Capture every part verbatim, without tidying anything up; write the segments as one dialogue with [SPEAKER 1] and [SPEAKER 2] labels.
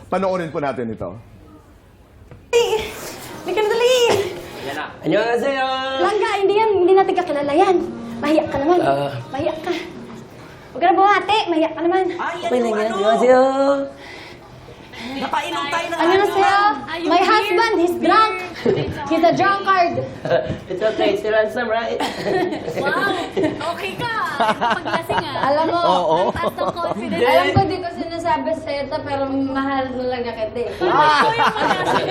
[SPEAKER 1] Panoorin po natin ito.
[SPEAKER 2] Hindi ka na dali!
[SPEAKER 3] Annyeonghaseyo!
[SPEAKER 2] Langga, hindi yan. Hindi natin kakilala yan. Mahiyak ka naman.
[SPEAKER 3] Ah.
[SPEAKER 2] Mahiyak ka. Huwag ka na buhati. Mahiyak ka naman.
[SPEAKER 4] Ay,
[SPEAKER 3] Okay
[SPEAKER 4] ano,
[SPEAKER 3] lang yan.
[SPEAKER 4] ano?
[SPEAKER 3] Annyeonghaseyo!
[SPEAKER 4] Napainom tayo ng
[SPEAKER 2] Ano na sa'yo? My husband, he's drunk. He's a drunkard.
[SPEAKER 3] It's okay, it's ransom, right?
[SPEAKER 5] Wow! Okay ka! Paglasing ah.
[SPEAKER 2] Alam mo,
[SPEAKER 1] Oo.
[SPEAKER 5] Ang taas ng confidence.
[SPEAKER 2] alam ko di ko sinasabi sa'yo ito, pero mahal na lang na kita eh.
[SPEAKER 5] Parang ikaw yung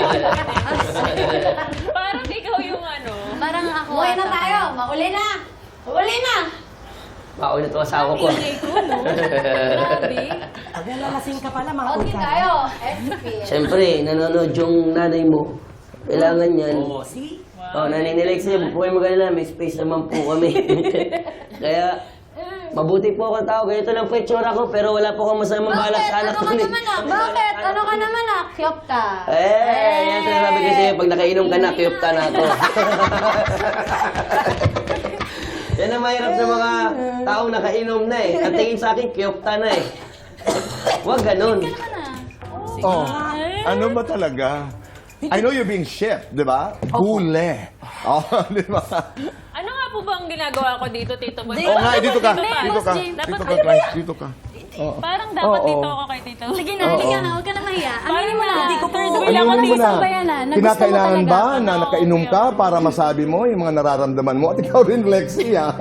[SPEAKER 5] Parang ikaw yung ano. Parang ako.
[SPEAKER 2] Umuwi na tayo. Mauli na. Mauli na.
[SPEAKER 3] Paulit ko asawa ko.
[SPEAKER 5] Ingay ko, no? Grabe.
[SPEAKER 4] Pag nalalasing ka pala, mga
[SPEAKER 2] Okay
[SPEAKER 4] utang.
[SPEAKER 2] tayo. S P.
[SPEAKER 3] Siyempre, nanonood yung nanay mo. Kailangan yan.
[SPEAKER 4] Oo, see?
[SPEAKER 3] Oh, nanay ni Lexie, huwag po kayo mag-alala, may space naman po kami. Kaya, mabuti po akong tao. Ganito lang po yung tsura ko, pero wala po akong masamang balak
[SPEAKER 2] Bakit?
[SPEAKER 3] sa anak
[SPEAKER 2] Ano
[SPEAKER 3] ko.
[SPEAKER 2] ka naman ah? Bakit? Ano ka naman ah? Cute ka.
[SPEAKER 3] Eh, yan sinasabi ko sa'yo, pag nakainom ka na, kiyop ka na ako. Yan ang mahirap sa mga taong nakainom na eh. Ang tingin sa akin, kiyop ka na eh. Huwag ganun.
[SPEAKER 1] Oh, ano ba talaga? I know you're being shipped, di ba? Gule. Oh, di ba?
[SPEAKER 5] Ano nga po ba ang ginagawa ko dito, Tito Boy?
[SPEAKER 1] Oo nga, dito ka.
[SPEAKER 5] Hindi,
[SPEAKER 1] Dito
[SPEAKER 5] Boss
[SPEAKER 1] ka.
[SPEAKER 5] James.
[SPEAKER 1] Dito
[SPEAKER 5] Dapat
[SPEAKER 1] ka, guys. Dito ka.
[SPEAKER 5] Parang dapat
[SPEAKER 1] Oo.
[SPEAKER 5] dito ako kay Tito.
[SPEAKER 2] Sige na,
[SPEAKER 1] Oo.
[SPEAKER 2] halika na. Huwag ka na mahiya. Aminin mo na.
[SPEAKER 5] Hindi ko po.
[SPEAKER 2] Third wheel
[SPEAKER 1] Ano
[SPEAKER 2] ako
[SPEAKER 1] mo
[SPEAKER 2] ng
[SPEAKER 1] na?
[SPEAKER 2] isang bayanan. na gusto mo
[SPEAKER 1] Kinakailangan
[SPEAKER 2] talaga.
[SPEAKER 1] ba na nakainom ka para masabi mo yung mga nararamdaman mo? At ikaw rin, Lexie, ah.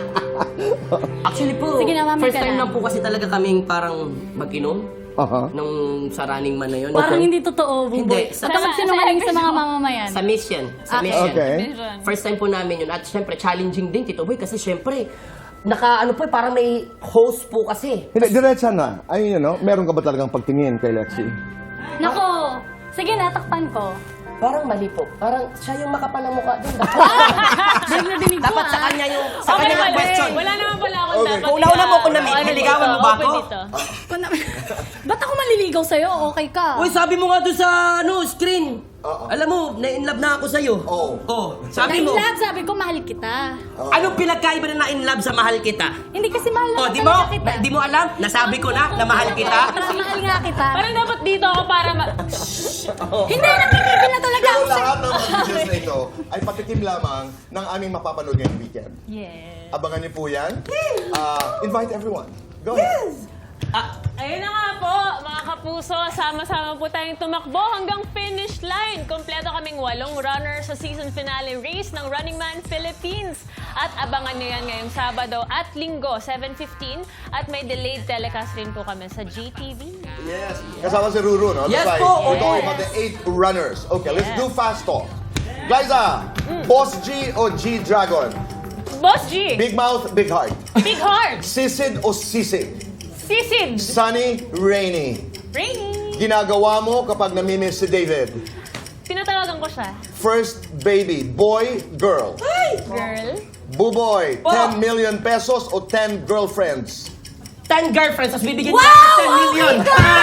[SPEAKER 3] Actually po,
[SPEAKER 2] Sige na, mami
[SPEAKER 3] first
[SPEAKER 2] ka
[SPEAKER 3] time
[SPEAKER 2] na.
[SPEAKER 3] lang po kasi talaga kaming parang mag-inom
[SPEAKER 1] Aha.
[SPEAKER 3] nung sa Running Man na yun.
[SPEAKER 2] Parang hindi totoo,
[SPEAKER 3] Hindi.
[SPEAKER 2] Buboy. At ako sinungaling sa mga mamamayan.
[SPEAKER 3] Sa mission. Sa
[SPEAKER 2] Okay.
[SPEAKER 3] mission.
[SPEAKER 1] Okay.
[SPEAKER 3] First time po namin yun. At syempre, challenging din, Tito Boy, kasi syempre, naka, ano po, eh, parang may host po kasi.
[SPEAKER 1] Hindi, diretsa na. Ayun, you know, meron ka ba talagang pagtingin kay Lexie?
[SPEAKER 2] Nako. Sige na, takpan ko.
[SPEAKER 3] Parang mali po. Parang siya yung makapal ng mukha din.
[SPEAKER 2] Dinig na dinig ko
[SPEAKER 3] Dapat sa
[SPEAKER 2] ah.
[SPEAKER 3] kanya yung, sa
[SPEAKER 5] Okay,
[SPEAKER 3] kanya yung
[SPEAKER 5] mali.
[SPEAKER 3] question.
[SPEAKER 5] Wala naman pala akong
[SPEAKER 1] Okay.
[SPEAKER 5] dapat.
[SPEAKER 4] Kung una-una mo ako na
[SPEAKER 5] Ano
[SPEAKER 4] niligawan
[SPEAKER 5] dito?
[SPEAKER 4] mo ba
[SPEAKER 5] Open
[SPEAKER 4] ako?
[SPEAKER 5] dito.
[SPEAKER 2] Ba't ako maliligaw sa'yo? Okay ka.
[SPEAKER 3] Uy, sabi mo nga doon sa ano, screen. Alam mo, na-inlove na ako sa'yo.
[SPEAKER 1] Oo.
[SPEAKER 3] Oh, sabi mo.
[SPEAKER 2] Na-inlove, sabi ko, mahal kita.
[SPEAKER 3] Anong pinagkaiba na na-inlove sa mahal kita?
[SPEAKER 2] Hindi kasi mahal
[SPEAKER 3] Oh,
[SPEAKER 2] naman
[SPEAKER 3] di mo?
[SPEAKER 2] talaga kita.
[SPEAKER 3] Di mo alam? Nasabi ko na na mahal kita.
[SPEAKER 2] Parang mahal nga kita.
[SPEAKER 5] Parang dapat dito ako para ma...
[SPEAKER 2] Hindi, nakikipin na talaga
[SPEAKER 1] Pero
[SPEAKER 2] ako sa'yo.
[SPEAKER 1] lahat ng mga videos na ito ay patikim lamang ng aming mapapanood ngayong weekend.
[SPEAKER 5] Yes.
[SPEAKER 1] Abangan niyo po yan. Uh, invite everyone. Go ahead.
[SPEAKER 5] Ayun na nga po, mga kapuso, sama-sama po tayong tumakbo hanggang finish line. Kompleto kaming walong runner sa season finale race ng Running Man Philippines. At abangan nyo yan ngayong Sabado at Linggo, seven fifteen. At may delayed telecast rin po kami sa G T V.
[SPEAKER 1] Yes. Kasama si Ruru, no?
[SPEAKER 3] Yes
[SPEAKER 1] That's right.
[SPEAKER 3] po.
[SPEAKER 1] We're talking
[SPEAKER 5] Yes.
[SPEAKER 1] about the eight runners. Okay, let's
[SPEAKER 5] Yes.
[SPEAKER 1] do fast talk. Glyza, Boss G o G-Dragon?
[SPEAKER 5] Boss G,
[SPEAKER 1] Big mouth, big heart.
[SPEAKER 5] Big Heart,
[SPEAKER 1] Sisid o sisig?
[SPEAKER 5] Sisid,
[SPEAKER 1] Sunny, rainy.
[SPEAKER 5] Rainy.
[SPEAKER 1] Ginagawa mo kapag namimiss si David?
[SPEAKER 5] Tinatawagan ko siya.
[SPEAKER 1] First baby, boy, girl.
[SPEAKER 5] Girl.
[SPEAKER 1] Buboy,
[SPEAKER 3] Po.
[SPEAKER 1] ten million pesos o ten girlfriends?
[SPEAKER 3] Ten girlfriends, tapos bibigyan
[SPEAKER 2] Wow!
[SPEAKER 3] niya ako ten million.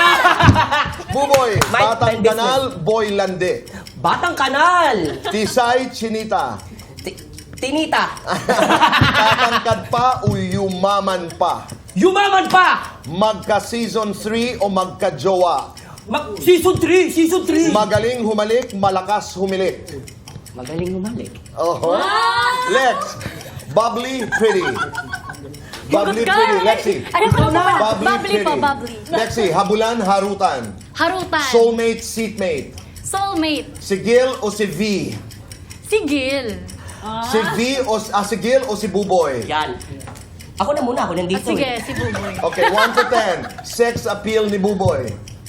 [SPEAKER 1] Buboy,
[SPEAKER 3] Mind-
[SPEAKER 1] Batang
[SPEAKER 3] mind business.
[SPEAKER 1] Kanal, Boy Lande.
[SPEAKER 3] Batang kanal.
[SPEAKER 1] Tisay, Chinita.
[SPEAKER 3] Ti- Tinita.
[SPEAKER 1] Tatangkad pa o yumaman pa?
[SPEAKER 3] Yumaman pa.
[SPEAKER 1] Magka-season three o magka-jowa?
[SPEAKER 3] Mag season three, season three.
[SPEAKER 1] Magaling humalik, malakas humilik.
[SPEAKER 3] Magaling umalik.
[SPEAKER 1] Oh. Lex, bubbly, pretty. Bubbly,
[SPEAKER 2] Ka.
[SPEAKER 1] pretty. Lexi.
[SPEAKER 2] Ayoko na.
[SPEAKER 1] Bubbly,
[SPEAKER 2] Bubbly po,
[SPEAKER 1] pretty.
[SPEAKER 2] bubbly.
[SPEAKER 1] Lexi, habulan, harutan.
[SPEAKER 2] Harutan.
[SPEAKER 1] Soulmate, seatmate.
[SPEAKER 2] Soulmate.
[SPEAKER 1] Si Gil o si V?
[SPEAKER 2] Si Gil.
[SPEAKER 1] Si V o ah, si Gil o si Buboy?
[SPEAKER 3] Yan. Ako na muna, ako
[SPEAKER 2] Ah,
[SPEAKER 3] nandito.
[SPEAKER 2] sige,
[SPEAKER 3] eh.
[SPEAKER 2] si Buboy.
[SPEAKER 1] Okay, one to ten. Sex appeal ni Buboy.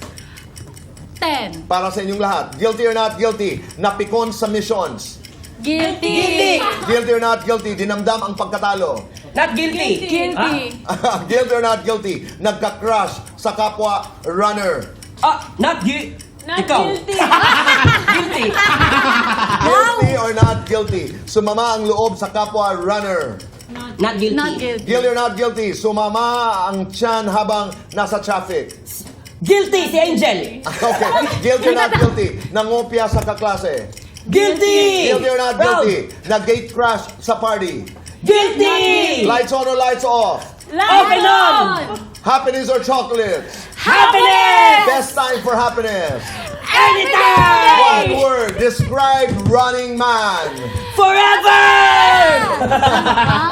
[SPEAKER 2] Ten.
[SPEAKER 1] Para sa inyong lahat. Guilty or not guilty? Napikon sa missions.
[SPEAKER 2] Guilty.
[SPEAKER 3] Guilty.
[SPEAKER 1] Guilty or not guilty? Dinamdam ang pagkatalo.
[SPEAKER 3] Not guilty.
[SPEAKER 2] Guilty.
[SPEAKER 1] Guilty or not guilty? Nagka-crush sa kapwa runner.
[SPEAKER 3] Ah, not guilty.
[SPEAKER 5] Not
[SPEAKER 3] Ikaw.
[SPEAKER 5] guilty.
[SPEAKER 3] Guilty.
[SPEAKER 1] Guilty or not guilty? Sumama ang loob sa kapwa runner.
[SPEAKER 3] Not guilty.
[SPEAKER 2] Not guilty.
[SPEAKER 1] Guilty or not guilty? Sumama ang tiyan habang nasa traffic.
[SPEAKER 3] Guilty si Angel.
[SPEAKER 1] Okay. Guilty or not guilty? Nangopya sa kaklase.
[SPEAKER 3] Guilty.
[SPEAKER 1] Guilty or not
[SPEAKER 3] Proud.
[SPEAKER 1] guilty? Nag-gate crash sa party.
[SPEAKER 3] Guilty.
[SPEAKER 1] Lights on or lights off?
[SPEAKER 3] Open on.
[SPEAKER 1] Happiness or chocolates?
[SPEAKER 4] Happiness!
[SPEAKER 1] Best time for happiness.
[SPEAKER 4] Anytime!
[SPEAKER 1] One word, describe Running Man.
[SPEAKER 4] Forever!
[SPEAKER 2] Ah,